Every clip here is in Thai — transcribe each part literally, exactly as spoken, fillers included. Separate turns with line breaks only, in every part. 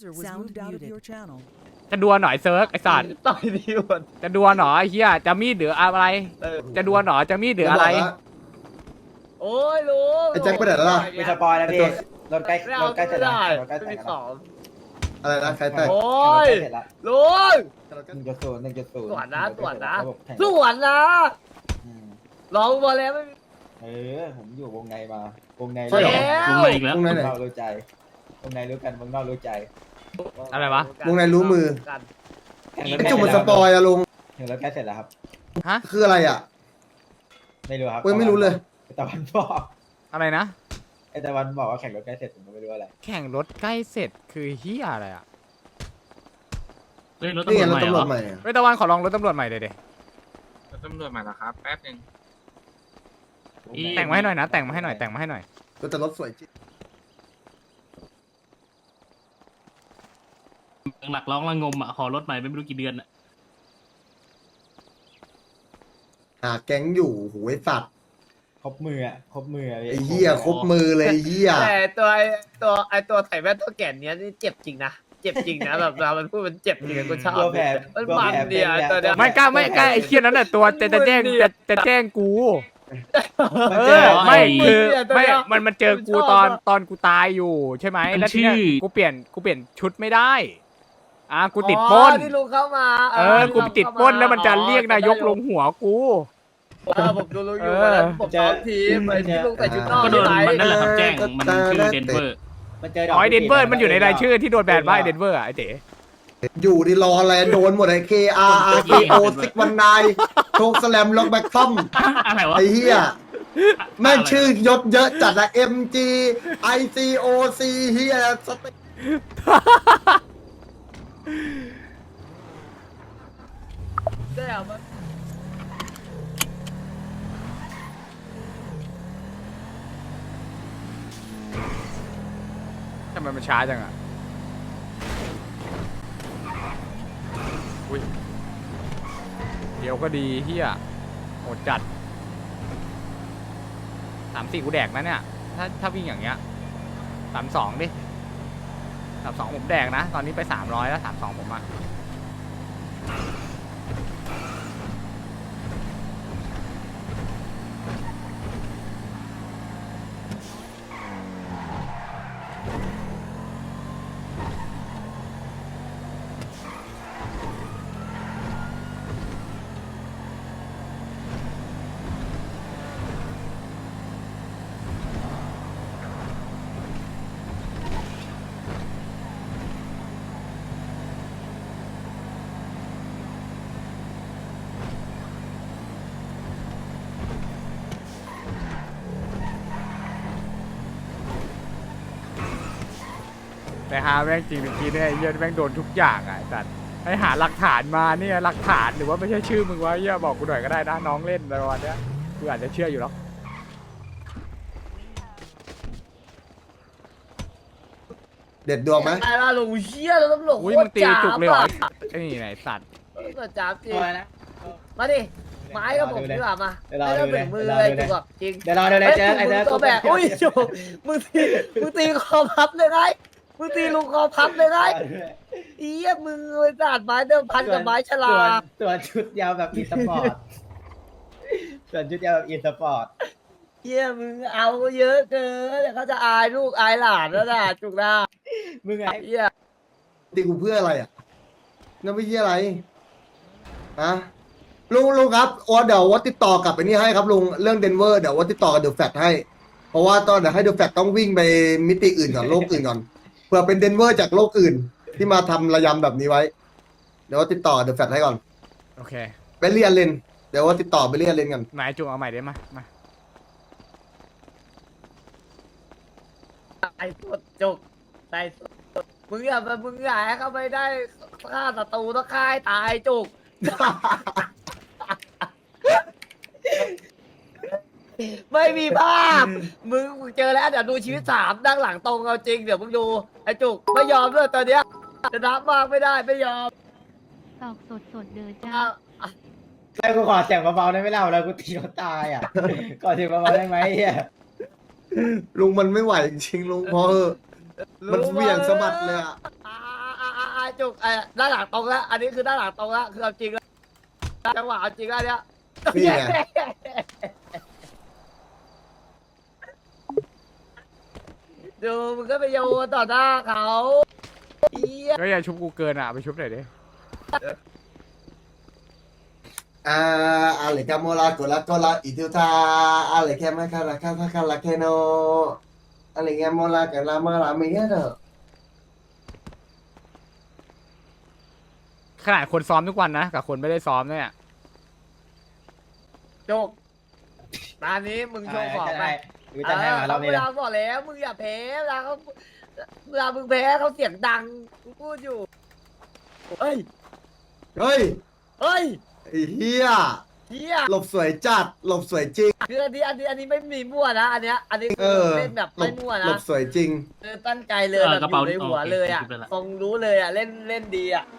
จะดวลหน่อยเซิร์กไอสัตว์
ต่อยดีหมด
จะดวลหน่อยเฮียจะมีดหรืออะไร จะดวลหน่อยจะมีดหรืออะไร
โอ้ยลุง
ไอ้แจ็คไปไหนแล้วล่ะ
มีสปอยแล้วพี่รถใกล้
ไม่
ร
เอา
ถใกล้เสร็
ไม่
จแล้ว
ได้
รถใกล้
ไม่
เสร็จ
มี
แล้ว
ของ
อะไรนะใครแตก
โอ้ย
เสร็จแล้ว
ลุง
หนึ่งจุดศูนย์หนึ่งจุดศูนย์
ตรวจนะตรวจนะ
ระบบแข่ง
สวนนะ
อืม
ลองมาแล้วไม่มี
เออผมอยู่วงในมาวงใน
ใช่เหรอ
แล้ว
ลงมาอีกแล้ว
วงใน
วง
ไหน
นอกรู้ใจวงในรู้กันวงนอกรู้ใจ
อะไรวะ
วงในรู้มือ
กัน
แข่งรถ
ไอ้
ใกล้
จุ่ม
เส
มั
ร็
น
จ
ส
แล้ว
ปอยอะลุง
แข่งรถใกล้เสร็จแล้วครับ
ฮะ
คืออะไรอะ
ไม่รู้ครับ
เว้ยไม่รู้เลย
ไอ้ตะวันบอก
อะไรนะ
ไอ้ตะวันบอกว่าแข่งรถใกล้เสร็จผมก็ไม่รู้อะไร
แข่งรถใกล้เสร็จคือเฮียอะไรอ่ะ
เฮ้ยรถ
นี่
ตำร
ไง
วจ
ร
ให
ถ
ม่เหรอ
ตำรวจใหม่อะ
เฮ้ยตะวันขอลองรถตำรวจใหม่เลยเด
รถตำรวจมาแล้วครับ แป๊บหนึง
แต่งมาให้หน่อยนะแต่งมาให้หน่อยแต่งมาให้หน่อย
รถแต่รถสวยจริง
หลักร้องระงมอ่ะขอรถใหม่ไม่รู้กี่เดือนอ่ะ
หาแก๊งอยู่โหไอ้สัตว์
ครบมืออะครบมืออะพี่
ไอ้เหี้ยครบมือเลยไอ้เหี้ย
แต่ตัวไอตัวไอตัวไถ่แว่นตัวแก่นเนี้ยนี่เจ็บจริงนะเจ็บจริงนะแบบเรามันพูดมันเจ็บจริงกูชอบ
ตัวแผล
มัน
ตัว
มัน
แผล
เดียวตัวเนี้ย
ไม่กล้าไม่กล้าไอ้เคียนั้นน่ะตัวจะจะแจ้งจะจะแจ้งกู
มัน
เอ
เจ
อ
อ
ไม่
ไอ้
คือไม่มันมันเจอกูตอนตอนกูตายอยู่ใช่ไหม
มัน
แล้วทีเนี้ย
ชื่อ
กูเปลี่ยนกูเปลี่ยนชุดไม่ได้อ่ะกูติดปล้น
อ๋อที่ลุงเข้ามา
เออกูไปติดปล้นแล้วมันจะเรียกนายกลงหัวกู
เออผมดูลุงอยู่
เออ
วันนั้นผมซ้อมทีมไอที่ลุงใส่ชุดนอก
ก็โดน
ที่ไหน
มันนั่นแหละครับแจ้งมันชื่อเดนเวอร์
มันเจอด
อ๋
อก
อไอเดนเวอร์มันอยู่ในรายชื่อที่โดนแบนว่าไอเดนเวอร์อะไอเต๋
อยู่ดีรออะไรโดนหมดไอ้ เค อาร์ อาร์ ซี โอ ซิกวันนายโชคสแลมล็อกแบ็คซัม
อะไรวะ
ไอ้เหี้ยแม่งชื่อยศเยอะจัดอะ เอ็ม จี ไอ ซี โอ ซี เหี้ยสเต็ก
ได้เอามา
ทำไมมันช้าจังอ่ะอุ้ยเดี๋ยวก็ดีเฮียโหดจัดสามสี่กูแดกนะเนี่ย ถ้าถ้าวิ่งอย่างเงี้ยสามสองดิสามสองผมแดกนะ ตอนนี้ไปสามร้อยแล้วสามสองผมอ่ะ แต่หาแม่งจริงเมื่อกี้เนี่ยไอ้เหี้ยแม่งโดนทุกอย่างอ่ะไอ้สัตว์ให้หาหลักฐานมาเนี่ยหลักฐานหรือว่าไม่ใช่ชื่อมึงวะเหี้ยบอกกูหน่อยก็ได้นะน้องเล่นอะไรประมาณเนี้ยกูอาจจะเชื่ออยู่หรอก
เด็ดดวงไหม
ไอ้ล่ะลุงเชี่ยแล้วตำรวจโค
อุ้ย
ต
มึ
รง
ตี
จ้า
จุกเลย
บ
เหรอ
อ่ะ
ไอ้นี่ไหนสัตว์
ตำรวจจ้าบจริง
ตัวนะ
มาดิไม้กับผมดีกว่ามา
เดี๋ยวรอ
ไม่ต้อง
ดู
ถึงมือ
เลย
เลย
เดี๋
จุ
ยวรอดูเลย
กแบบจริง
เดี๋ยวรอเดี๋ยวเลยเจอไอ้
ไอ้
เจอ
ตัวแบบอุ้ยจุกมึงตีมึงตีคอพับเลยไงมึงตีลุงคอพับเลยไงอีเหี้ยมึงไปสาดไม้เดิมพันกับไม้ฉลา
ส่วน
ด
ส่วนชุดยาวแบบอีสปอร์ตส่วนชุดยาวแบบอีสปอร์ต
เหี้ยมึงเอาเยอะเกินเดี๋ยวเขาจะอายลูกอายหลานแล้วนะจุกนะ
มึงไง
เหี้ย
ตีกูเพื่ออะไรอ่ะนั่นไม่ใช่อะไรฮะลุงลุงครับโอ้เดี๋ยววัดติดต่อกับไอ้นี่ให้ครับลุงเรื่องเดนเวอร์เดี๋ยววัดติดต่อกับเดอะแฟตให้ เพราะว่าตอนเดี๋ยวให้เดอะแฟตต้องวิ่งไปมิติอื่นก่อนโลกอื่นก่อนเผื่อเป็นเดนเวอร์จากโลกอื่น ที่มาทำระยำแบบนี้ไว้ เดี๋ยววัดติดต่อเดอะแฟตให้ก่อน
โอเค
ไปเรียนเลนเดี๋ยววัดติดต่อไปเรียนเลนกัน
หมายจุกเอาใหม่ได้ไหมมา
ไอ้สดจุกไอ้สดมึงอย่ามามึงอย่าให้เขาไม่ได้ฆ่าศัตรูต้องฆ่าให้ตายจุก ไม่มีภาพ มึงมึงเจอแล้วเดี๋ยวดูชีวิตสามด้านหลังตรงเอาจริงเดี๋ยวมึงดูไอ้จุกไม่ยอมด้วยตอนเนี้ยจะนับมากไม่ได้ไม่ยอม
ตอกสดสดเด้อจ้า
อ่ะอ่ะ
ใช่กูขอเสียงเบาๆได้ไหมเล่าแล้วกูตีเขาตายอ่ะขอเสียงเบาๆได้ไหมเฮีย
ลุงมันไม่ไหวจริงๆลุงพอเถอะมันเหวี่ยงสะบัดเลยอ่ะ
ตายไอ้จุกไอ้ด้านหลังตรงแล้วอันนี้คือด้านหลังตรงแล้วคือเอาจริงแล้วจังหวะเอาจริงแล้วเนี่ย
นี่ไง
ดูมึงก็ไปโยนต่อหน้าเขาเหี้ย
ก็อย่าชุบกูเกินอ่ะไปชุบหน่อยดิ
อ่าอะไรกันโมลาโกลาโกลาอิทุทาอะไรแค่มาคาราคาคาคาราแคโนอะไรแค่โมลากันลามาลาไม่เงี้ยเด้อ
ขนาดคนซ้อมทุกวันนะกับคนไม่ได้ซ้อมเนี่ย
จุกตอนนี้มึงโชว์ของไป
กูจะให้มารอบนี้
เว
นะ
ลาบอกแล้วมึงอย่าแพ้เวลาเขาเวลามึงแพ้เขาเสียงดังกูพูดอยู่เฮ้ย
เฮ้ย
เฮ้ย
ไอ้เฮีย
เฮีย
หลบสวยจัดหลบสวยจริง
คืออันนี้อันนี้อันนี้ไม่มีมั่วนะอันเนี้ยอันนี้
เอ
คือ
อ
เล่นแบบ
หล
ไม่
บ
มั่ว
หล
นะ
บสวยจริง
คือตั้งใจเลยแบบอยู่ในหัวเลยอ่ะทรงรู้เลยอ่ะเล่นเล่นดีอ่ะ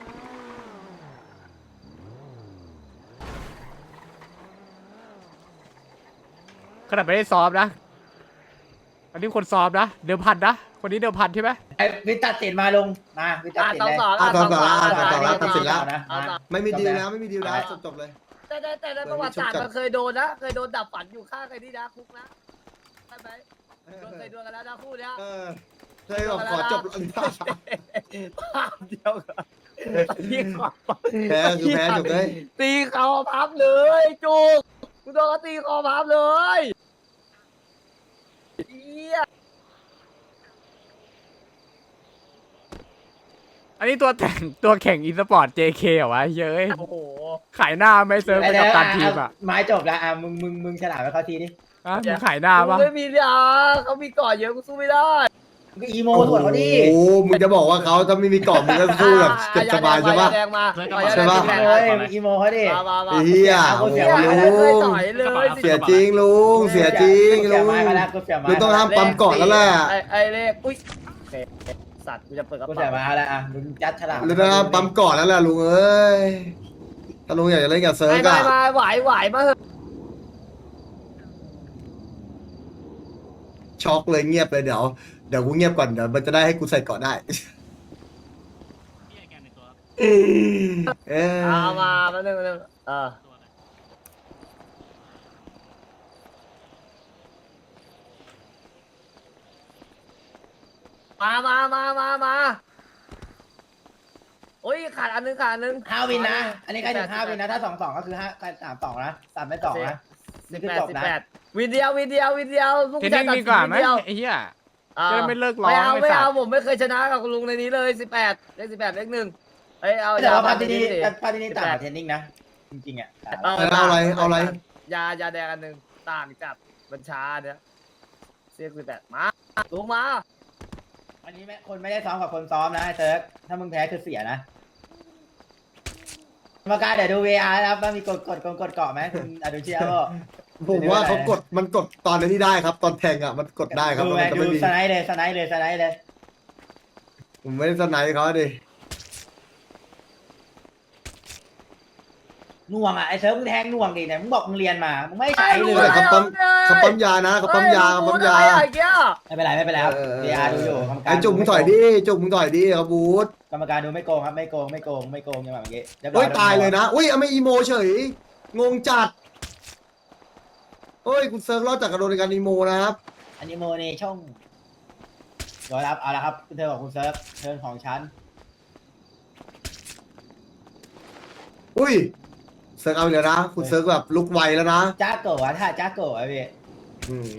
ขนาดไม่ได้ซ้อมนะอันนี้คนซ้อมนะเดิมพันนะคนนี้เดิมพันใช่ไหม
ไอ้วิตัดสินมาลงมาวิตัด
อ่ะ
สิน
สอง
เลย
สอง
อ่ะสองสอง
อ่ะ
อ่ะสองสอง
อ่ะ
ตัดสินแล้ว
นะ
เอาต่อ
ไม่มีดีลแล้วไม่มีดีลแล้วจบจบเลย
แต่แต่แต่ในประวัติศาสตร์มันเคยโดนนะเคยโดนดับฝันอยู่ข้างใครที่นะคุกนะใช่ไหมโดนเคยโดนกันแล้วนะคู่เนี้ย
เออเคยบอกขอจบ
ภาพเดียวกันที่ขอ
แพ้คือแพ้จบเลย
ตีคอพับเลยจุกกูโดนเขาตีคอพับเลยเหี้ย
อันนี้ตัวแต่งตัวแข่งอีสปอร์ต เจ เค เหรอวะเย้ย
โอ้โห
ขายหน้าไม่เซิร์ฟไปกับการทีมอ่ะ
ไม้จบแล้วอ่ะมึงมึงมึงฉลาดไปเขาทีดิ
ฮะมึงขายหน้า
กู
ปะ
ไม่มียาเขามีก่อนเยอะกูสู้ไม่ได้
มึงก็อีโมส่วนเขาดิ
โอ้โหมึงจะบอกว่าเขาถ้าไม่มีกรอบมึงก็สู้แบบเจ็บสบายใช่ปะ
แดงมา
ใช่ปะ
เลยมึงอีโมเขาดิ
มามามา
ไอ้เหี้ย
เอา
โอ้
เสี
โห
ย
ลุ
เคย
ง
ต่อยเลย
เสียจริงลุงเสียจริง
เสี
ลุ
ย
ง
ไม้มาแล้วกูเสียไม้
ลุงต้องห้ามปั๊มก่อนแล้วแหละ
ไอ้ไอ้เลขอุ้ยโอเคสัตว์กูจะเปิดกระ
กูเสีย
เป๋า
ไม้แล้วอ่ะมึงจัดฉลาด
ลุงต้องห้ามปั๊มก่อนแล้วแหละลุงเอ้ยถ้าลุงอยากจะเล่นกับเซิร์ฟ
ไม่
อะ
ไม่มาไหวไหวมาเถอะ
ช็อกเลยเงียบเลยเดี๋ยวเดี๋ยวกูเงียบก่อนเดี๋ยวมันจะได้ให้กูใส่ก่อนได้
พี่ไอ้แกนในตัว
เออ
เอามาแป๊บนึงแป๊บนึงเออ
ตัวอะไร
มามามามามาโอ้ยขาดอันนึงขาดอันนึง
ห้าวินนะ อันนี้ใครถึงห้าวินนะ ถ้าสองสองก็คือห้าสามสองนะสามไม่สองนะ
สิ
นี่
บ
คือ
แปด
จบ
สิบ
นะ
แปดวินเดียววินเดียววินเดียวลูก
เทน
ชา
นิ่
ย
ง
ตัด
ดีกว่าไหม
วินเดียว
ไอ้เหี้ย
อ่า
จะได้ไม่เลิกร้อง
ไม่เอา
ไอ้
ไม่
สัตว์
เอาผมไม่เคยชนะกับคุณลุงในนี้เลยสิบแปดเลขสิบแปดเลขหนึ่งเอ้ยเอา
แต่ว่า
มา
พาร์ทนี้
ดิ
พาร์ทนี้ต่างกับเทนนิ่งนะ จริงๆอ่ะ
เออ
เอาอะไรเอาอะไร
ยายาแดงอันหนึ่งต่างจัดบัญชาเนี่ยเสียสิบแปดมาลุงมา
อันนี้แม่คนไม่ได้ซ้อมกับคนซ้อมนะไอ้เติร์กถ้ามึงแพ้คือเสียนะกรรมการเดี๋ยวดู วี อาร์ นะครับว่ามีกดกดกดกดเกาะไหมคุณอดุเชียบอก
ผมว่าเขากดมันกดตอนที่ได้ครับ ตอนแทงอ่ะมันกดได้ครับ
ดู
มัน
ไง
จะ
ดู
ไม่มี
สไนด์เลยสไนด์เลยสไนด์เลย
ผมไม่ได้สไนด์เขาดิ
หน่วงอ่ะไอ้เซิร์ฟมึงแทงหน่วงดิเนี่ยมึงบอกมึงเรียนมามึงไม่ใช้เล
แต่
ย
เขาปั๊มเขาปั๊มยานะเขาปั๊มยาเขาปั๊มยา
เฮ้ลุงพูดอะไรอ่ะไอ้เกี้ย
ไม่เป็นไรไม่เป็นไรครับ วี อาร์ ดูอยู่กรรมการ
ไอ้จุกมึงถอยดิจุกมึงถอยดิครับบูธ
กรรมการดูไม่โกงครับไม่โกงไม่โกงไม่โกงอย่างแบบเมื่อกี้รีบร้
โอ้ย
แว
ตายเลยนะอุ้ยเอาไม่อีโมเฉยงงจัดโอ้ยคุณเซิร์ฟรอดจากกระโดดในการอีโมนะครับ
อันนี้โมเนช่องเดี๋ยวรับเอาละครับคุณเธอของคุณเซิร์ฟเทิร์นของฉัน
อุ้ยเซิร์ฟเอาอีกแล้วนะคุณเซิร์ฟแบบลุกไวแล้วนะ
จ้าโกะวะถ้าจ้าโกะไอ้พี่
อืม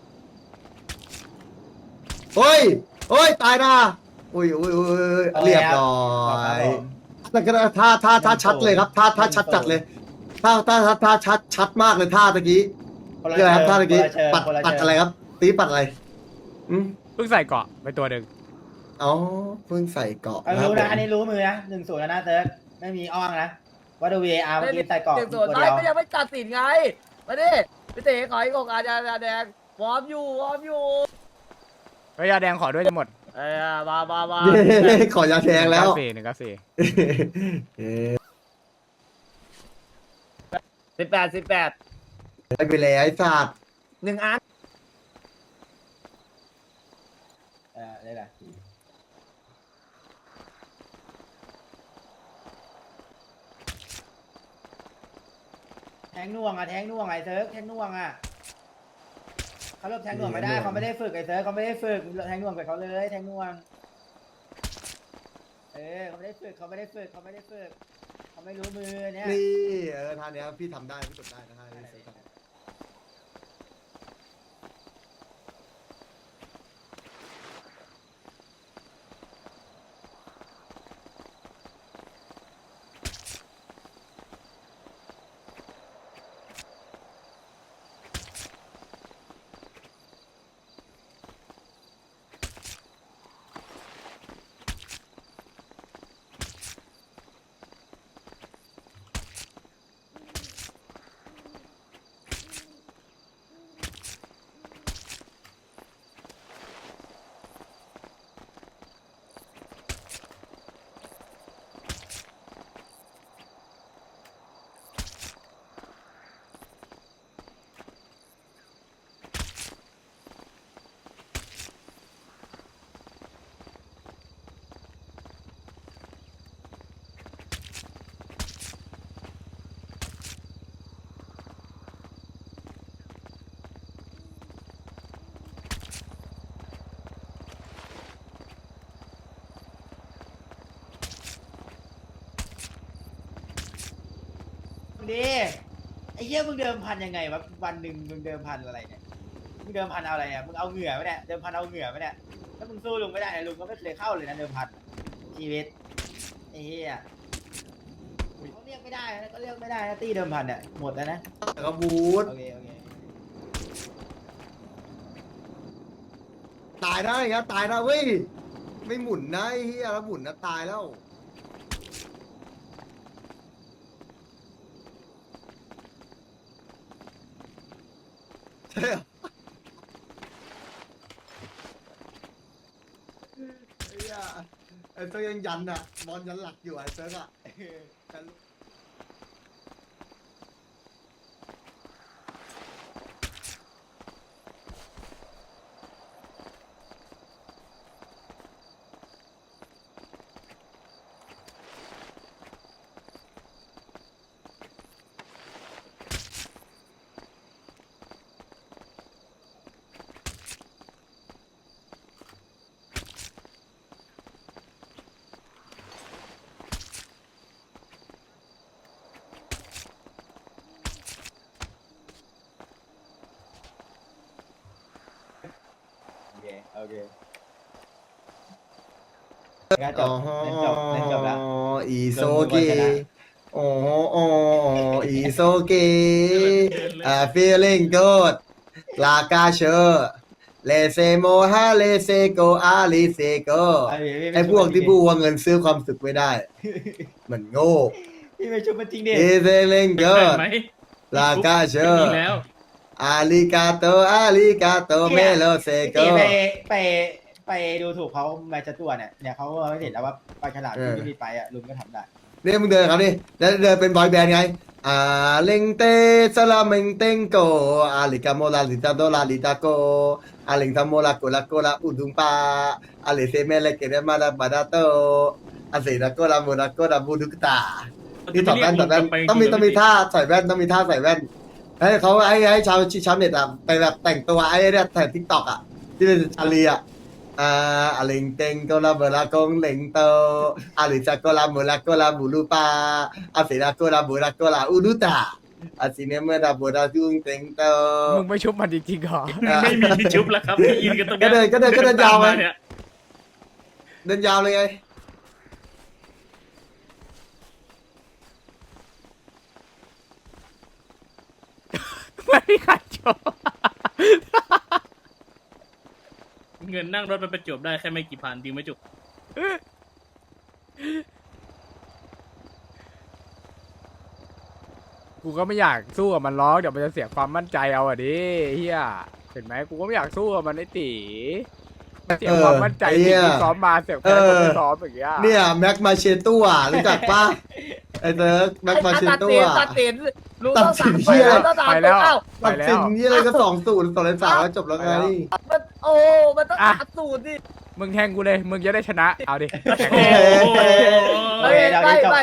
เฮ้ยเฮ้ยตายนะอุ้ยอุ้ยอุ้ยเรียบร้อยแต่ก็ท่าท่าท่าชัดเลยครับท่าท่าชัดจัดเลยท่าท่าท่าท่าชัดชัดมากเลยท่าตะกี้
คนละ
เรียกอะไรครับท่าตะกี้
เชิญ
ปัด
คนละ
ปัด
เชิญ
อะไรครับ ตีปัดอะไร อืม
เพิ่งใส่เกาะไปตัวหนึ่ง
อ๋อเพิ่งใส่เกาะ
เอา
ครับ
รู้
ผ
นะ
ม
อันนี้รู้มือนะหนึ่งศูนย์แล้วนะเซิร์ฟไม่มีอ้องนะว่าดู วี อาร์ เมื่อกี้ใส่กรอบ
เด็กส่
ตัว
วน
เดี
ท้าย
ยว
ก็ยังไม่ตัดสินไงมาดิพี่เต๋ขออีกอกอาจารย์แดงวอร์มอยู่วอร์มอยู่
เฮ้ยยาแดงขอด้วยจะหมด
เอ้ยมามามา
เย้ขอยาแทงแล้ว
สี่หนึ่งเก้าสี่
เอ๊ะ
สิบแปดสิบแปด
ได้ไปแล้วไอ้สัตว์
หนึ่งอัน
เออได้ละแทงน่วงอ่ะแทงน่วงไอ้เซิร์ฟแทงน่วงอ่ะเขาเริ่มแทงน่วงไม่ได้เขาไม่ได้ฝึกไอ้เซิร์ฟเขาไม่ได้ฝึกแทงน่วงไปเขาเลยแทงน่วงเออเขาไม่ได้ฝึกเขาไม่ได้ฝึกเขาไม่ได้ฝึกเขาไม่รู้มือเนี่ย
นี่เออท่าเนี้ยพี่ทำได้พี่กดได้นะท่านี้เสร็จแล้ว
ดีไอ้เหี้ยมึงเดิมพันยังไงวะวันหนึ่งมึงเดิมพันอะไรเนี่ยมึงเดิมพันเอาอะไรเนี่ยมึงเอาเหงื่อไหมเนี่ยเดิมพันเอาเหงื่อไหมเนี่ยถ้ามึงสู้ลุงไม่ได้ลุงก็ไม่เคยเข้าเลยนะเดิมพันชีวิตไอ้เหี้ยเขาเรียกไม่ได้นะก็เรียกไม่ได้นะตีเดิมพันเนี่ยหมดแล้วนะ
แล้วก็บูท
โอเคโอเค
ตายได้ครับตายนะเว้ยไม่หมุนนะไอ้เฮียแล้วหมุนนะตายแล้วใช่เหรอไอ้เหี้ยไอ้เซิร์กยังยันอ่ะบอลยันหลักอยู่ไอ้เซิร์กอ่ะแต่
โอเคโอเคงั้นจบงั้นจบงั้นจบแล้ว
อีโซเกโอ้โอ้อีโซเกอ่า feeling good ลากาเชอร์เลเซโมฮาเลเซโกอาลิเซโกไอพวกที่พูดว่าเงินซื้อความสุขไม่ได้ มันโง่
พี่ไปชุบมันจริงดิ
อีเซลิง
เกิ
good
ไหม
ลากาเชอ
มี
ร์
แล้ว
อาลิกาโตอาลิกาโตเมโลเซโก
พี่ไปไปไปดูถูกเขาแมจตัวเนี่ยเนี่ยเขาไม่เห็นแล้วว่าปลาฉลาดที่ไม่มีไปอ่ะลุงก็ทำได้
เนี่ยมึงเดินครับนี่แล้วเดินเป็นบอยแบนด์ไงอ่าเลงเตสลาเมงเตงโกอาลิกาโมลาลิตาโดลาลิตาโกอาลิงทามโมลาโกลาโกลาอุดุงปาอาลิเซเมเลเกเรมาลาบาดาโตอาเซนาโกลาโมลาโกลาบูดุกตาที่ถอดแว่นถอดแว่นต้องมีต้องมีท่าใส่แว่นต้องมีท่าใส่แว่นให้เขาให้ให้ชาวชาวเน็ตอ่ะไปแบบแต่งตัวไอ้เนี่ยแต่ทิกตอกอ่ะที่เป็นอาลีอ่ะ Ah, aling teng ko la bala kong leng to. Alisa ko la mula ko la bulupa. Asira ko la bula ko la uduta. Asine me da boda tung teng to.
มึงไม่ชุบมันจริงๆเหรอ
ไม่มีที่ชุบแล้วครับที่ยืนกันตรง
ก็
เนี้ย
เดินก็เดินก็เดินยาวไป
เนี่ย
เดินยาวเลยไง
ไม่มีใครชุบ
เงินนั่งรถไปประจวบได้แค่ไม่กี่พันจริงไหมจุก
กูก็ไม่อยากสู้กับมันล้อกเดี๋ยวมันจะเสียความมั่นใจเอาอะดิเฮียเห็นไหมกูก็ไม่อยากสู้กับมันไอ้ตีเสียความมั่นใจ
เออไอ้เหี้
ที่
ย
กูซ้อมมาเสียแพ้คนที่ซ้อมอย่างเงี้ย
เนี่ยแม็กมาเชตัวรู้จักปะไอ้เติร์กแม็กมาเช
ตัด
ตั
สิ
วน
ตัดสินลุง
ตั
ต้
ด
อง
สิ
สั่
น
ง
เหี้ย
ต้องสั่ง
ไปแล้ว
เอ้า
ตัดสินนี่อะไรก็สองศูนย์สองเลนสามแล้วจบแล้วไง
มันโอ้มันต้อง
อ่ะ
ตัดสูตรดิ
มึงแทงกูเลยมึงจะได้ชนะเอาดิแทง
โอ้
กู
โห
เฮ้ยไม่ไม่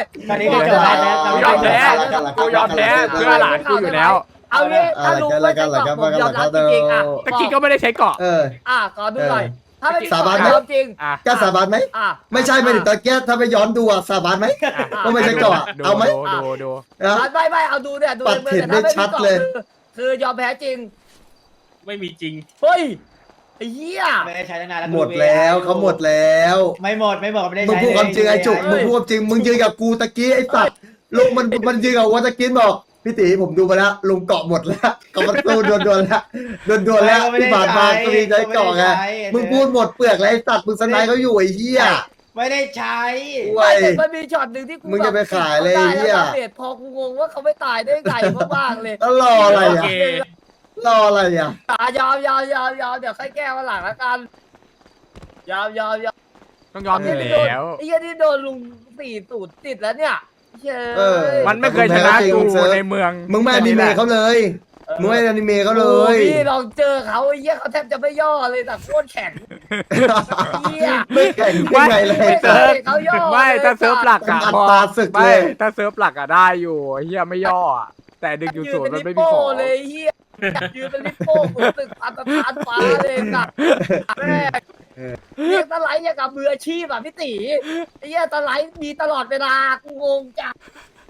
ตอนนี้ก็จบแล้วนะ
กูยอมแพ้กูยอมแพ้เพื่อหลานกูอยู่แล้ว
เอางี้ถ้าลุงไม่ใช่เกาะผมยอมรับจริงๆอ่ะ
ตะกี้ก็ไม่ได้ใช้เกาะ
เออ
อ่ะขอดูหน่อยถ้าไม่
สาบานไหม
ยอมจริง
อ่ะ
กล้าสาบานไหม
อ่ะ
ไม่ใช่ไม่ถึงตะเกียบถ้าไปย้อนดูอะสาบานไหม ว่าไม่ใช่เกาะ
ดู
เอาไหม
ดูดูดู
นะ
ไม่ไม่เอาดูเนี่ยดู
ปัดเห็นได้ชัดเลย
คือยอมแพ้จริง
ไม่มีจริง
เฮ้ยไอ้เหี้ย
ไม่ได้ใช้ตั้งนานแล้ว
หมดแล้วเขาหมดแล้ว
ไม่หมดไม่หมดไม่ได้
มึง
ใช้
พูดความจริงไอ้จุกมึงพูดความจริงมึงยืนกับกูตะกี้ไอ้สัตว์ลุงมันมันยืนกับวัตะกี้บอกพี่ตีผมดูมาแล้วลุงเกาะหมดแล้วเกาะมันตู้ดวนดวนๆแล้วดวนดวนๆแล้วที่ผ่านมาก็มีใช้เกาะไงมึงพูดหมดเปลือกแล้วไอ้สัตว์มึงสนายเขาอยู่ไอ้เหี้ย
ไม่ได้ใช้
เว้ย
แต่มันมีช็อตหนึ่งที่กู
มึงจะไปขายเลย
แบบ
ไอ้เหี้ย
ตาแล้วเปลี่ยนพอกูงงว่าเขาไม่ตายได้ไงมากๆเลย
แล้วรออะไร
โอ
อ่ะ
เค
รออะไรอ่ะ
ตายอมยอมยอมยอมเดี๋ยวค่อยแก้วันหลังแล้วกันยอมยอมยอม
ต้องยอมอยู่แล้ว
ไอ้เหี้ยนี่โดนลุงสี่สูตรติดแล้วเนี่ยเย้ย
เออ
มันไม่เคยชนะกูในเมือง
มึงไม่อนิเมะเขาเลยมึงไม่อนิเมะเขาเล
โอ้
ย
พี่ลองเจอเขาไอ้เหี้ยเขาแทบจะไม่ย่อเลยแต่โคตรแข็งเหี้ย
ไม่แข่งได้ไงเลย
ไม่
เซิร์ฟ
เขาย่อ
ไม่ถ้าเซิร์ฟหลักอะ
เป็นอั
พอ
ตราศึก
ไม่
เลย
ถ้าเซิร์ฟหลักอะได้อยู่เฮียไม่ย่ออะแต่ดึงอยู่
ยื
ศู
น
นย์
เป็
มัน น
ลิ
ไม่
ป
มี
โป้
ของ
เลยเหี้ยยืนเป็นลิปโป้ขุนตึกพันตะทานฟ้าเลยนะแม่เรียกตะไลอย่างกับมืออาชีพอ่ะพี่ตีไอ้เหี้ยตะไลมีตลอดเวลากูงงจัง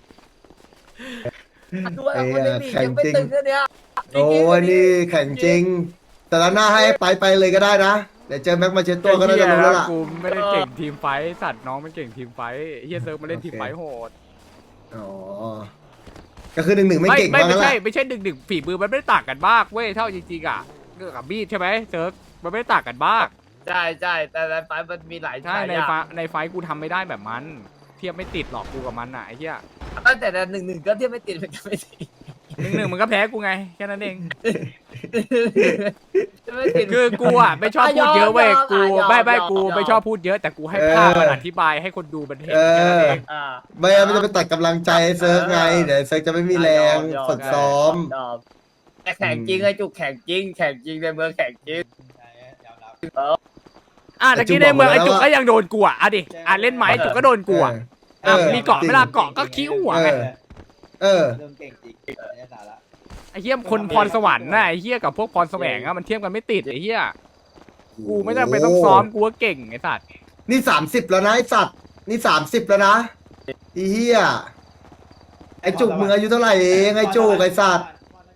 ดูไอ้คนในลีกยังไม่ตึงแค่เนี้ย
โอ้ยนี่แข่งจริง แต่ละหน้าให้ไปไปเลยก็ได้นะ เดี๋ยวเจอแม็กมาเชตตัวก็น่าจะรู้แล้วล่ะ
กูไม่ได้เก่งทีมไฟท์สัตว์น้องมันเก่งทีมไฟท์เฮียเซิร์ฟมาเล่นทีมไฟท์โหด
อ๋อ ก็คือหนึ่งหนึ่งไม่เก่ง
ไม่
มาก
ไม่
แล้ว
ใช่
ล่ะ
ไม่ใช่ดึกดึกฝีมือมันไม่ได้ต่างกันมากเว้ยเท่าจริงๆอะเรื่องกับมีดใช่ไหมเซิร์ฟมันไม่ได้ต่างกันมาก
ใช่ใช่แต่ในไฟมันมีหลาย
ใช่ใน
หลาย
ไฟ
อย่าง
ในไฟท์กูทำไม่ได้แบบมัน เทียบไม่ติดหรอกกูกับมันอะไอ้เหี้ย
ตั้งแต่หนึ่งหนึ่งก็เทียบไม่ติดเป็นกันไม่ติด
หนึ่งหนึ่งมันก็แพ้กูไงแค่นั้นเอง
ไม่ติด
คือกูอ่ะไม่ชอบพูดเยอะเว้ย
ยอม
กู
ยอม
ไม่ไม่
ยอม
กู
ยอม
ไม่ชอบพูดเยอะแต่กูให้ภาพมันอธิบายให้คนดูมันเห็น
เอ
แค่นั้น
อ
เอง
อ่า
ไม่งั้นมันจะไปตัดกำลังใจให้เซิร์ฟไง เดี๋ยวเซิร์ฟจะไม่มีแรง
ยอม
ฝึกซ้อม
ยอมแต่แข่งจริงไอ้จุกแข่งจริงแข่งจริงในเมืองแข่งจริง
ยอมรับ
อ่ะตะกี้ในเมืองไอ้จุกก็ยังโดนกูอ่ะอ่ะดิอ่ะเล่นไหมจุกก็โดนกูอ่ะ
เอ
อ่ะ
อ
มีเกาะไม่ล่ะเกาะก็คิ้วหัวไง
เออ เออ
เรื่องเก่งจริงไม่ได้สาระ
ไอ้เหี้ยคนพรสวรรค์นะไอ้เหี้ยกับพวกพรแสวงอ่ะมันเทียบกันไม่ติดไอ้เหี้ยกูไม่จำเป็นต้องซ้อมกูก็เก่งไอ้สัตว์
นี่สามสิบแล้วนะไอ้สัตว์ นี่สามสิบแล้วนะไอ้เหี้ย ไอ้จุกมึงอายุเท่าไหร่เองไอ้จุกไอ้สัตว์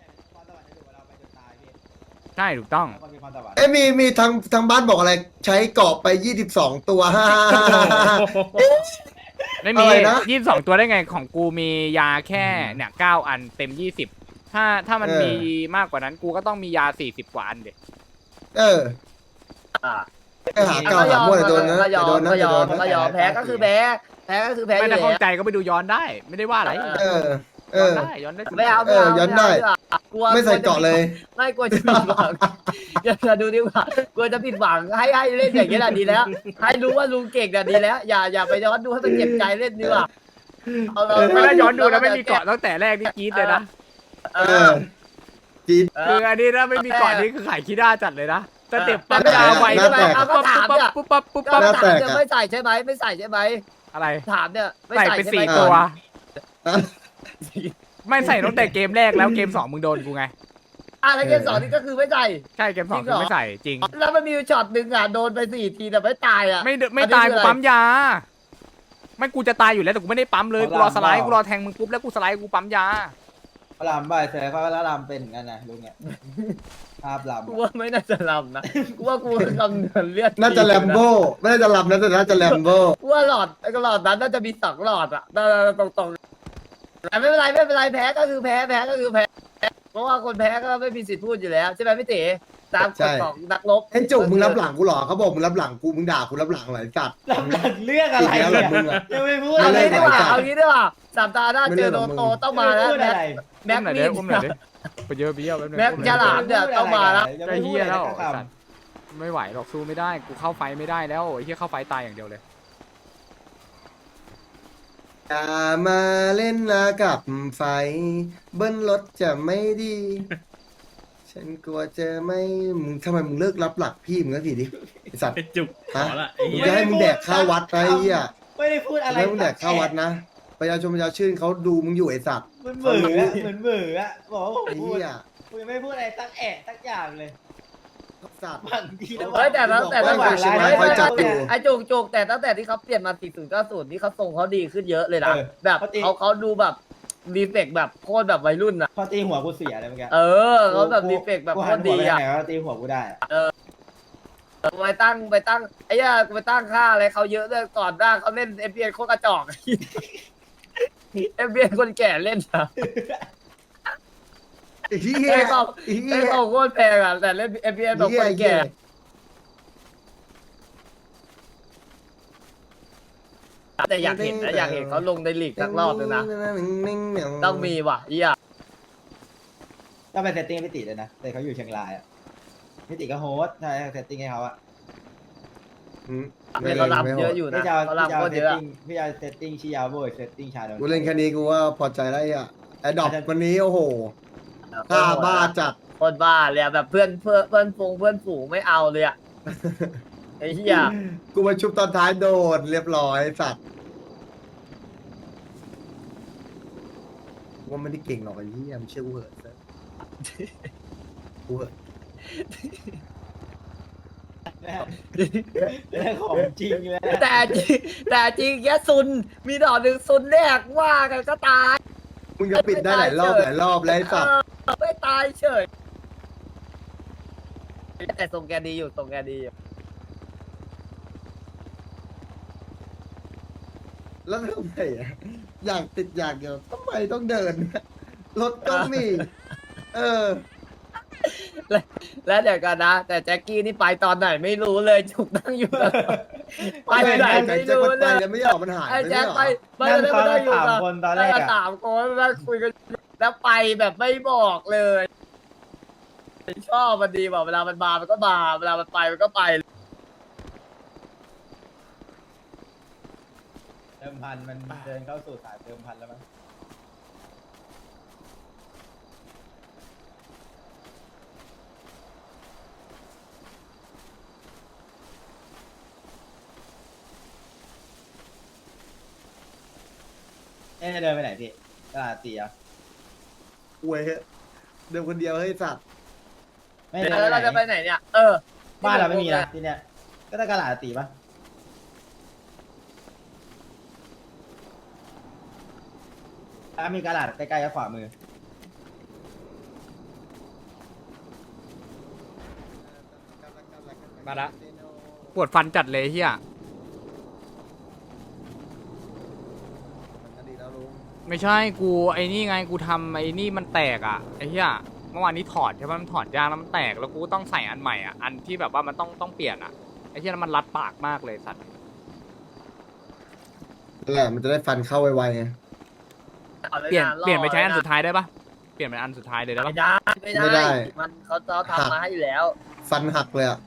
ใช่ถูกต้อง
เอ้ยมีมีทางทางบ้านบอกอะไร ใช้เกาะไปยี่สิบสองตัว ฮ่าฮ่าฮ่าฮ่า
ไม่มี
อะไรนะ
ยี่สิบสองตัวได้ไงของกูมียาแค่เนี่ยเก้าอันเต็มยี่สิบถ้าถ้ามัน
เออ
มีมากกว่านั้นกูก็ต้องมียาสี่สิบกว่าอันเด็
เออ
อ่า
ไอ้หาเก่าหามั่วแต่โดนนะ
ก็ย
แต่
อ
โด
ม
นนะ
ก็ย
แต่
อ
โด
ม
นนะ
ก็ยอมแพ้ก็คือแพ้แพ้ก็คือแพ้อ
ไม่
ยู่
ได้
แล้
ข้อง
ว
ใจก็ไปดูย้อนได้ ไม่ได้ว่าอะไร
เออ เอ
ย้อน
อ
ได้ย้อนได้
ไม่เอา
เออย้อนได้
กลัว
ไม่ใส่เกาะเลย
ไม่กลัวจะผิดหวังอย่าดูดีกว่ากลัวจะผิดหวังให้ให้เล่นอย่างนี้แหละดีแล้ว ให้รู้ว่าลุงเก่งน่ะดีแล้ว อย่าอย่าไปย้อนดูให้มันเจ็บใจเล่นดีกว่าเอาเลย
ไม่ได้ย้อนดูนะไม่มีเกาะตั้งแต่แรกนี่กรี๊ดเลยนะ
เอ
เอ
อ
อจีด
คืออันนี้ถ้าไม่มีเกาะนี่คือขายขี้ด้าจัดเลยนะสเต็ปปั๊ม
หน้าย
าไว
หน้าแตก
ปุ๊บปั๊บปุ๊บปั๊บปุ๊บปั๊บปุ๊บ
ก็
ปั๊บ
หน้าแต
ถาม
ก
เนี่ย
อะ
ไม่ใส่ใช่ไหมไม่ใส่ใช่ไหม
อะไร
ถามเนี่ยไม่
ใส่
ใส่
ไป
ใช่
สี่
ไหม
ตัว
อ่ะ
ไม่ใส่ตั้งแต่เกมแรกแล้วเกมสองมึงโดนกูไง
อ่ะแล้วเกมสองนี่ก็คือไม่ใส่
ใช่เกมสองคือไม่ใส่จริง
แล้วมันมีช็อตหนึ่งอ่ะโดนไปสี่ทีแต่ไม่ตายอ่ะ
ไม่เดไม่ตายกูปั๊มยา ไม่กูจะตายอยู่แล้วแต่กูไม่ได้ปั๊มเลยกูรอสไลด์กูรอแทงมึงปุ๊บแล้วกูสไลด์กูปั๊มยา
พระรามบ่ายเสร็จเขาก็รามเป็นกันนะลุงเนี่ยภาพลำ
กูว่าไม่น่าจะลำนะกูว่ากูคำนวณเลือด
น่าจะแลมโบ้ไม่น่าจะลำนะแต่น่าจะแลมโบ้
กูว่าหลอดไอ้หลอดนั้นน่าจะมีสองหลอดอ่ะตรงตรงๆแต่ไม่เป็นไรไม่เป็นไรแพ้ก็คือแพ้แพ้ก็คือแพ้เพราะว่าคนแพ้ก็ไม่มีสิทธิ์พูดอยู่แล้วใช่ไหมพี่เต๋ตามกฎของนักรบ
ไอ้จุกมึงรับหลังกูเหรอเขาบอกมึงรับหลังกูมึงด่ากูรับหลังเหรอไอ้สัตว์
หลังจากเรื่องอะไร
อีกแล้วเหรอ
เนี่ย
มึงอะ
ยังไม่พูด
เอา
อะไร
งี้ดีกว่า
ไม่ได้
เอางี้ดีกว่าสามตาหน้า
ไม่
เจ
ได้
อ
หร
โด
อก
น
มึง
โตต้องมาแล้ว
พูด
แม็
อะ
ก
ไร
แม็
อุ้
ก
มหน่อย
มี
เด้
ด
อุ้มหน่อยเด้ไปเยอะไปเยอะแป๊บนึง
แม็ก
อุ้มห
จะ
น่อย
หลามเนี่ยต้องมาแล้ว
ไอ้เฮียแล้วไอ้สัตว์ไม่ไหวหรอกสู้ไม่ได้กูเข้าไฟไม่ได้แล้วไอ้เฮียเข้าไฟตายอย่างเดียวเลย
อย่ามาเล่นนะกับไฟ เบิ้ลรถจะไม่ดี ฉันกลัวเจอไม่มึงทำไมมึงเลิกรับหลักพี่มึงสักทีดิไอสัตว์
ไอ้จุกขอละไอ้
มึง
เหี้ย
จะให้มึงแดกข้าววัดนะไอ้เหี้ย
ไม่ได้พูดอะไร
ไม่ให้มึงแดกข้าววัดนะประชาชนประชาชื่นเขาดูมึงอยู่ไอ้สัตว์
เหมือนเบื่ออะเหมือนเบื่ออะบอกว่าผม
ไอ้
พูด
เหี้ย
กูยังไม่พูดอะไรสักแอะสักอย่างเลย
สัตว์
บางทีแล้ว
เฮ้ยแต่ตั้งแต่
บอ
ตั้
ก
ง
ว่า
แต่
เชียงรายคอยจัดอยู่
ไอ้จุกจุกแต่ตั้งแต่ที่เขาเปลี่ยนมาสี่ศูนย์เก้าศูนย์นี่เขาทรงเขาดีขึ้นเยอะเลยนะ
เออ
แบบเขาเขาดูแบบรีเฟกแบบโคตรแบบวัยรุ่นอ่ะ
พอตีหัวกูเสียเลยเมื่อกี้
เออเขาแบบรีเฟกแบบ
กู
โค
หัน
ตร
หัว
ดี
ไปทาง
อ่ะ
ไหนก็ตีหัวกูได้อะ
ไปตั้งไปตั้งไอ้ย่ากูไปตั้งค่าอะไรเขาเยอะเลยก่อนหน้าเขาเล่นเอฟบีเอโคตรกระจอกเอฟบีเอคนแก่เล่นอ่ะ
ไอ้เหี้ย
ไอ้เขา
ไอ้เหี้
ไอ้
ย
เขาโคตรแพงอ่ะแต่เล่นเอฟบีเอแบบคนแก่ แต่อยากเห็นนะอยากเห็นเขาลงในลีกสักรอบนึงนะต้องมีว่ะเหี้ย
ต้องไปเซตติ้งให้พี่ติเลยนะแต่เขาอยู่เชียงรายอะพี่ติก็โฮสต์ใช่เซตติ้งให้เขาอะ
อืม
เนี่ยเขารับเยอะอยู่นะ
พี่จะเอา
เขารับ
พี่จะ
โค
เอา
ตร
เซ
เย
ต
อะ
ติ้งพี่จะเอาเซตติ้งชิยาโบยเซตติ้งชาโดน
กูเล่นแค่นี้กูว่าพอใจแล้วไอ้อะไอ้ดอกวันนี้โอ้โหค่าบ้าจัด
คนบ้าเลยอะแบบเพื่อนเพื่อนเพื่อนฟงเพื่อนฝูงไม่เอาเลยอะไอ้เหี้ย
กูมาชุบตอนท้ายโดนเรียบร้อยสัตว์ว่าไม่ได้เก่งหรอกไอ้เหี้ยมันเชื่อกูเหอะเซิร์ฟกูเหอะ
เรื่องของจริงเลย
แต่จริงแต่จริงแค่ซุนมีดอกหนึ่งซุนแรกว่ากันก็ตาย
มึงจะปิดได้หลายรอบหลายรอบแล้วไอ้สัตว์
เออไม่ตายเฉยแต่ทรงแกดีอยู่ทรงแกดีอยู่
แล้วทำไมอะอยากติดอยากเดียวทำไมต้องเดินรถก็มี เออ
แล้วเดี๋ยวกันนะ แต่แจ็คกี้นี่ไปตอนไหนไม่รู้เลยจุกนั่งอยู่ตลอดไปไหนไม่รู้
ไป
เลย
แล้วไม่ออกมันหาย
ไอ้
ไป
แจ็
ไม่
ค
หร
ไป
อ
ไม่ได้ไม่ได้อยู่
สาม
กับ
คนตอนแรกอะ
สามคนนั่งคุยกันแล้วไปแบบไม่บอกเลยชอบมันดีบอกเวลามันมามันก็มาเวลามันไปมันก็ไป
เติมพันมันเดินเข้าสู่สายเติมพันแล้วมั้ง เอ๊ะจะเดินไปไหนพี่ตลาดตีอ่ะ
อวยเดินคนเดียวให้สัตว์
ไม่เดิน
แล้วเราจะ
ไป
ไป
ไหน
ไหนเนี่ย เออ
บ้านเราไม่มีนะที่เนี้ยก็ต้องตลาดตีปะอ่ะมีตลาดใกล้ๆกับขวามือ
มาละปวดฟันจัดเลยเฮียไม่ใช่กูไอ้นี่ไงกูทำไอ้นี่มันแตกอ่ะไอ้เฮียเมื่อวานนี้ถอดใช่ไหมมันถอดยางแล้วมันแตกแล้วกูต้องใส่อันใหม่อ่ะอันที่แบบว่ามันต้องต้องเปลี่ยนอ่ะไอ้เฮียแล้วมันรัดปากมากเลยสัตว์
นั่นแหละมันจะได้ฟันเข้าไวๆไง
เปลี่ยนเปลี่ยนไปใช้อันสุดท้ายได้ปะเปลี่ยนเป็นอันสุดท้ายเลยได้
ไม่
ปะ
ได้ไม่
ไม่ได้
ได้ มันเขาเขาทำมาให้อยู่แล้ว
ฟันหักเลยอ่ะ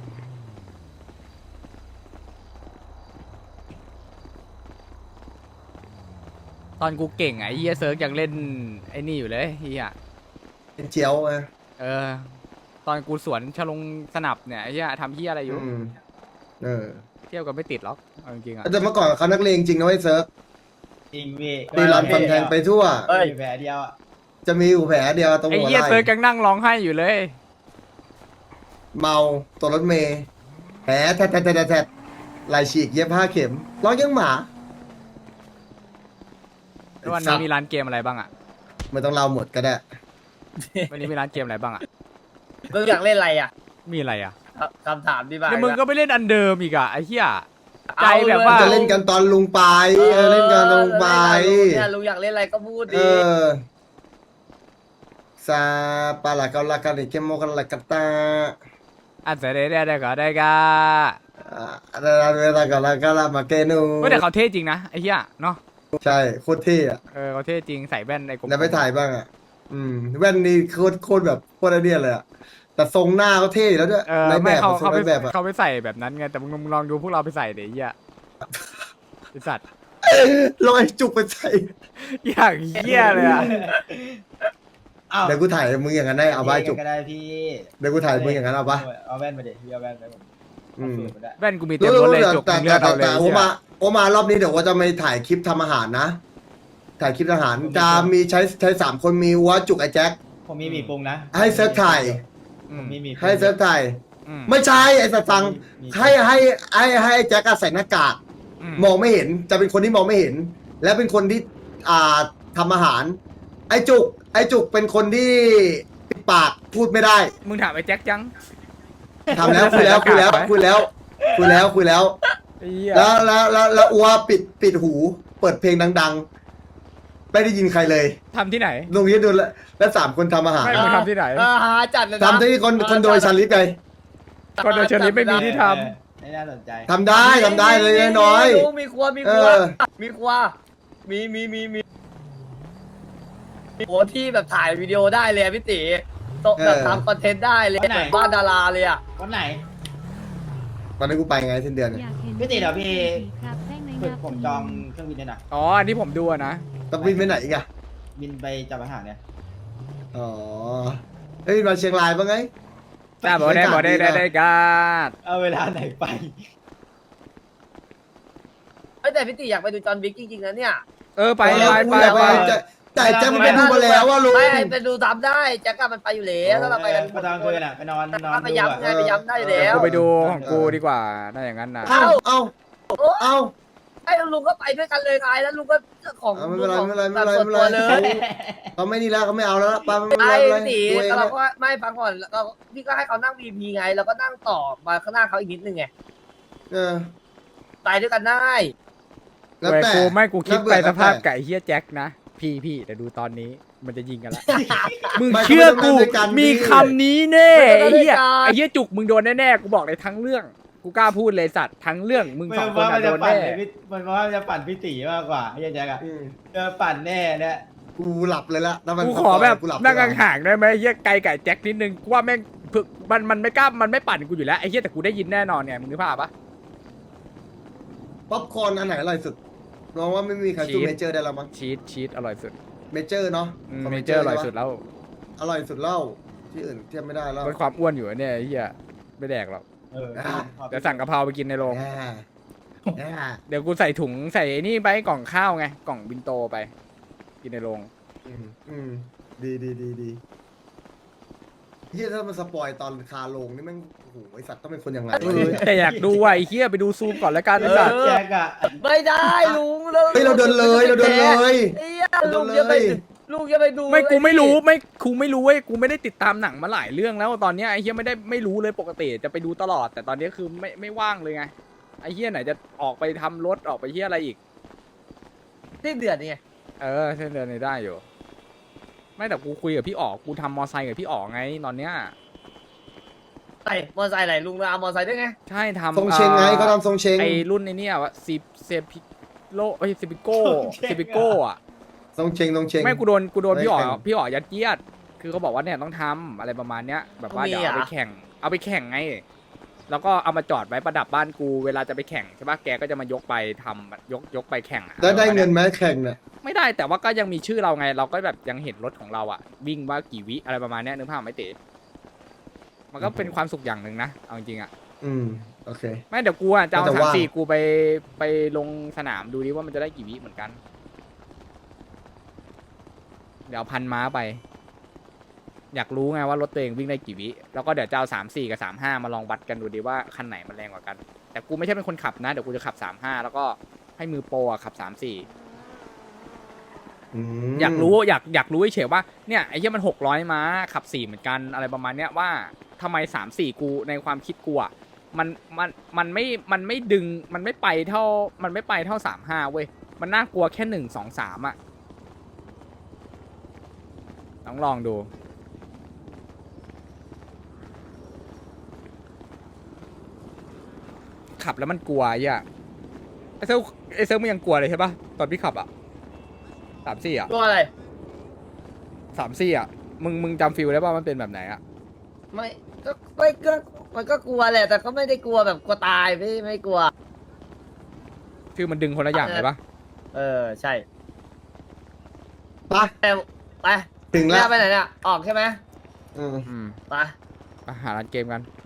ตอนกูเก่งอ่ะไอ้เฮียเซิร์กยังเล่นไอ้นี่อยู่เลยเฮีย
เป็นเจียวไง
เออ ตอนกูสวนชลงสนับเนี่ยไอ้เฮียทำเฮียอะไรอยู่
อืมเออ
เที่ยวกันไม่ติดหรอกเอาจริงๆอ่ะ
แต่เมื่อก่อนเขานักเลงจริงนะไอ้เซิร์ฟ
จริงพี่
ตีรันฟันแทงไปทั่ว
เอ้ย
มีแผลเดียวอ่ะ
จะมีอยู่แผลเดียวตรง
ไอ้
หัว
เฮีย
ไห
เซิร์ก
ล่
ยังนั่งร้องไห้อยู่เลย
เมาตัวรถเมย์แผลแทะแทะแทะแทะแทะลายฉีกเย็บห้าเข็มร้องยังหมา
แล้ววันนี้มีร้านเกมอะไรบ้างอ่ะ
ไม่ต้องเล่าหมดก็ได้
วันนี้มีร้านเกมอะไรบ้างอ่ะ
มึงอยากเล่นอะไรอ่ะ
มีอะไรอ่ะ
คำถามที่บ้าน
แล้วมึงก็ไปเล่นอันเดิมอีกอ่ะไอ้เหี้ย ใจแบบ
เอ
ว่า
จะเล่นกันตอนลุงไปเออเล่นกันตอนลุงไป
เนี่ยลุงอยากเล่นอะไรก็พูด
เอ
ดิ
อซาปาลากาลากาลิเคโมกาลากาตา
อันเสร็จได้ได้ก็ได้ก็
อะไรอะไรลากาลากาลามาเกนู
เฮ้ยแต่เขาเท่จริงนะไอ้เหี้ยเนาะ
ใช่โคตรเท่อะ
เออเขาเท่จริงใส่แว่นไอ้กลม
แล้วไปถ่ายบ้างอ่ะ อืมแว่นนี่โคตรโคตรแบบโคตรไอเดียเลยอ่ะแต่ทรงหน้าเขาเท่แล้วด้วย
เออ
ในแบ
ไม่
บ
เขา
ทรง
เขา
ใน
ไป
แบบอ่ะ
เขาไปใส่แบบนั้นไงแต่มึงมึงลองดูพวกเราไปใส่เดี๋ยวไอ้เหี้ยไอ้สัตว์
ลองไอ้จุกไปใส่
อย่างเหี้ยเลยอ่ะ
อ้าว
เดี๋ยวกูถ่ายมึงอย่างนั้นได้เอาไว้จุก
ก็ได้พี่
เดี๋ยวกูถ่ายมึงอย่างนั้นเอาปะ
เอาแว่นมาเด็พี่เอาแว่นไปผม
อืม
เอาสูตรมาได้
แว่นกูมีเต็มรถเลยจุก
แต่
มึงเลื
แต่
อก
แต่
เอาเลย
แต่
ไอ้
โอ
เหี้ย
มาโอมารอบนี้เดี๋ยวว่าจะไม่ถ่ายคลิปทำอาหารนะถ่ายคลิปทหารจะมีใช้ใช้สามคนมีวัวจุกไอ้แจ็ค
ผมมีหมีปรุงนะ
ให้เซิร์ฟถ่าย
อื
ผม
ม
มีหมีปรุง
ให้เซิร์ฟถ่าย
อืม
ไม่ใช่ไอ้สัตว์ฟัง
มี
ให้ให้ให้ให้ไอ้แจ็คอะใส่หน้ากาก
อืม
มองไม่เห็นจะเป็นคนที่มองไม่เห็น และเป็นคนที่อ่าทำอาหาร ไอ้จุก ไอ้จุกเป็นคนที่ปิดปากพูดไม่ได้
มึงถามไอ้แจ็คยัง
ทำแล้วคุยแล้วคุยแล้วคุยแล้วคุยแล้วคุยแล้ว
ไอ้เหี้ย
แล้วแล้วแล้วแล้วอัวปิดปิดหู เปิดเพลงดังๆ ไม่ได้ยินใครเลย
ทำที่ไหน
ตรงนี้ดูแลวแล้วสามคนทำอาหาร
ไม่ มึงทำที่ไหน
เออหาจัดเลยนะ
ทำที่คนคนโดยชันลิศไง
ก็โดยเฉลี่ยไม่มีที่ท
เออไม่น่าสนใจ
ทำได้ทำได้เลยน้อย
มีมีครัวมีครัว
เออ
มีครัวมีมีมีมีโอ้ที่แบบถ่ายวิดีโอได้เลยอะพี่ตีโตะแบบทำคอนเทนต์ได้เลยแบบบ้านดาราเลยอ่ะ
วันไหน
ๆตอนนั้นกูไปไงเส้นเดือน
อ
เนี่ย
ยากเห็น
พี่ติเดี๋ยวพี่
ครับแท่งใน
คือ
นับ
ผมจองเครื่องบินด้วยนะ
ำอ๋อ อันนี้ผมดูอะนะ
ต้องบินไปไหนอีกอะ
บินไปจับอาหารเนี่ย
อ๋อเฮ้ยมาเชียงรายบ้างไง
แต่บอกได้บอกได้ได้ได้กาด
เอาเวลาไหนไป
เอ้ยแต่พี่ตีอยากไปดูจอห์นวิกจริงๆนะเนี่ย
เออ ไป
แล้ว
ไป
กู
ไป
อยาก
ไป
จะแต่แจ็คมันไปดูมาแล้วว่าลุง
ไม่ไปดูทำได้แจ็คกมันไปอยู่แล้วถ้าเราไปกัน
ไปตอนคืนอ่ะไปนอนนอน
ไป
ดู
ย้ำ
อ่ะ
ไงไปย้ำได้อยู่แล้ว
กูไปดูของกูดีกว่าถ้าอย่างนั้นนะ
เอ้าเอ้าเอ้า
ไอ้ลุงก็ไปด้วยกันเลยไงแล้วลุงก็ของ
เอาไม่เป็นไร
ของ
ไม่เป็นไรไม่
แบบ
เป็นไร
ส่วน
ไม่
ตัว
เป็น
เล
ไร
ย
เขาไม่นี่แล้วเขาไม่เอาแล้วป้าไม่เป็นไร
ไอ้
ไม่เป็นไร
พี่ตี
ตัวเอง
เรา
นะ
ก็ไม่ฟังก่อนแล้วก็พี่ก็ให้เขานั่ง วี พี ไงแล้วก็นั่งต่อมาข้างหน้าเขาอีกนิดนึงไง
เออ
ไปด้วยกันได้
แล้ว
เว้ย
แต่
กูไม่กูคิด
แล้ว
ไป
แต่
สภาพ
แล้วแต่
ไก่เฮียแจ็คนะ พี่พี่แต่ดูตอนนี้มันจะยิงกันละ มึง
ไม่
เชื่อกู
เขาไม่ได้ด้วยกัน
มี
พี่
คำนี้แน่ไอ้เหี้ยไอ้เหี้ยจุกมึงโดนแน่ๆกูบอกเลยทั้งเรื่อง กูกล้าพูดเลยสัตว์ทั้งเรื่องมึง
ไม่
สองคน
ว่ามั
อะ
น
โด
จะ
น
ปั่น
แน่
เลยพี่มันว่ามันจะปั่นพี่ตีมากกว่าไอ้แจ็คอะ
อืม
เจอปั่นแน่เนี่ย
กูหลับเลยละถ้ามัน
กูขอแบบ
กูหลับ
นั่ง
เลยละ
ห่างๆได้ไหมเหี้ยไกลไก่แจ็คนิดนึงกูว่าแม่งพึกมันมันไม่กล้ามันไม่ปั่นกูอยู่แล้วไอ้เหี้ยแต่กูได้ยินแน่นอนเนี่ยมึงนึกภาพปะ
ป๊อปคอร์นอันไหนอร่อยสุดน้องว่าไม่มีใครสู้
ชีส
เมเจอร์ได้แล้วมั้ง
ชีสชีสอร่อยสุด
เมเจอร์เนาะ
อืม
ขง
เมเจอร์อร่อยสุด
ใช่ปะ
แล้ว
อร่อยสุดเล่าที่อื่นเทียบไม่ได้แล้ว
ลดความอ้วนอยู่อะเนี่ยไอ้เหี้ยไม่แดกหรอก
เออ
อ่ะ
เดี๋ยวสั่งกะเพราไปกินในโรง
แย่แย่
เดี๋ยวกูใส่ถุงใส่ไอ้นี่ไปกล่องข้าวไงกล่องบินโตไป กินในโรง
อืมอืมดีดีดีดีเฮียถ้ามันสปอยตอนคาโลงนี่แม่งโอ้โหไอสัตว์ต้องเป็นคนยังไง
เออแต่อยากดูว่ะไอ้เหี้ยไปดูซูมก่อนแล้วกันไอ้สัตว์
แจ็คอะ
ไม่ได้ลุง
เฮ้ยเราเดินเลยเราเดินเลย
ไอ้เหี้ยลุงจะไปลุงจะไปดู
ไม่กูไม่รู้ไม่กูไม่รู้เว้ยกูไม่ได้ติดตามหนังมาหลายเรื่องแล้วตอนเนี้ยไอ้เหี้ยไม่ได้ไม่รู้เลยปกติจะไปดูตลอด แต่ตอนนี้คือไม่ไม่ว่างเลยไงไอ้เหี้ยไหนจะออกไปทำรถออกไปเหี้ยอะไรอีก
ที่เดือดนี่ไง
เออเส้นเดินในได้อยู่ ไม่แต่กูคุยกับพี่อ๋อกูทำมอไซค์กับพี่อ๋อไงตอนเนี้ย
ไอ้มอเตอร์ไซค์ไหนลุงเอามอเตอร์ไซค์ด้วยไง
ใช่ทำ
ทรงเชงไง
อ่อ
เขาทำทรงเชง
ไอ้รุ่นในเนี่ยวะซีเซปิโลเอ้ยซิปิโก้ซิปิโก้อะ
ทรงเชงทรงเชง
ไม่กูโดนกูโดนพี่อ๋อ
ไม่แข่ง
พี่อ๋อยัดเยียด คือเขาบอกว่าเนี่ยต้องทำอะไรประมาณเนี้ย แบบว่าเดี๋ยวเอาไปแข่ง เอาไปแข่งไง แล้วก็เอามาจอดไว้ประดับบ้านกูเวลาจะไปแข่งใช่ปะแกก็จะมายกไปทำยกยกไปแข่งอะ
แล้วได้เงินไหมแข่งเนี่ย
ไม่ได้แต่ว่าก็ยังมีชื่อเราไง เราก็แบบยังเห็นรถของเราอะวิ่งว่ากี่วิอะไรประมาณเนี้ยนึกภาพไหมเต๋มันก็เป็นความสุขอย่างหนึ่งนะเอาจริงๆอะ
อืมโอเค
ไม่เดี๋ยวกูอะจะเอา
แต่
สาม
ว่า
สี่กูไปไปลงสนามดูดิว่ามันจะได้กี่วิเหมือนกัน เดี๋ยวเอาพันม้าไป อยากรู้ไงว่ารถตัวเองวิ่งได้กี่วิ แล้วก็เดี๋ยวจะเอาสามสี่กับสามห้ามาลองวัดกันดูดิว่าคันไหนมันแรงกว่ากัน แต่กูไม่ใช่เป็นคนขับนะ เดี๋ยวกูจะขับสามห้าแล้วก็ให้มือโปรอะขับสามสี่
ม
อยากรู้อยากอยากรู้เฉยๆว่าเนี่ยไอ้เหี้ยมันหกร้อยม้าขับสี่เหมือนกันอะไรประมาณเนี้ยว่าทำไมสามสี่กูในความคิดกูอะมันมันมันไม่มันไม่ดึงมันไม่ไปเท่ามันไม่ไปเท่าสามห้าเว้ยมันน่ากลัวแค่หนึ่งสองสามอะต้องลองดู ขับแล้วมันกลัวไอ่ะไอเซลไอเซลมันยังกลัวเลยใช่ปะตอนพี่ขับอะสามสี่อะ
ตัวอะไร
สามสี่อ่ะ มึง มึงจำฟิลได้ป่ะมันเป็นแบบไหนอ่ะ
ไม่ก็ไม่ก็มันก็กลัวแหละแต่ก็ไม่ได้กลัวแบบกลัวตายไม่ไม่กลัว
คือมันดึงคนละอย่างเลยป่ะ
เออใช่
ไป
แต่ไป
ถึง
แล้
แล้ว
วไปไหนเนี่ยออกใช่ไหม
อืม
อืม
ไป
ไปหาร้านเกมกัน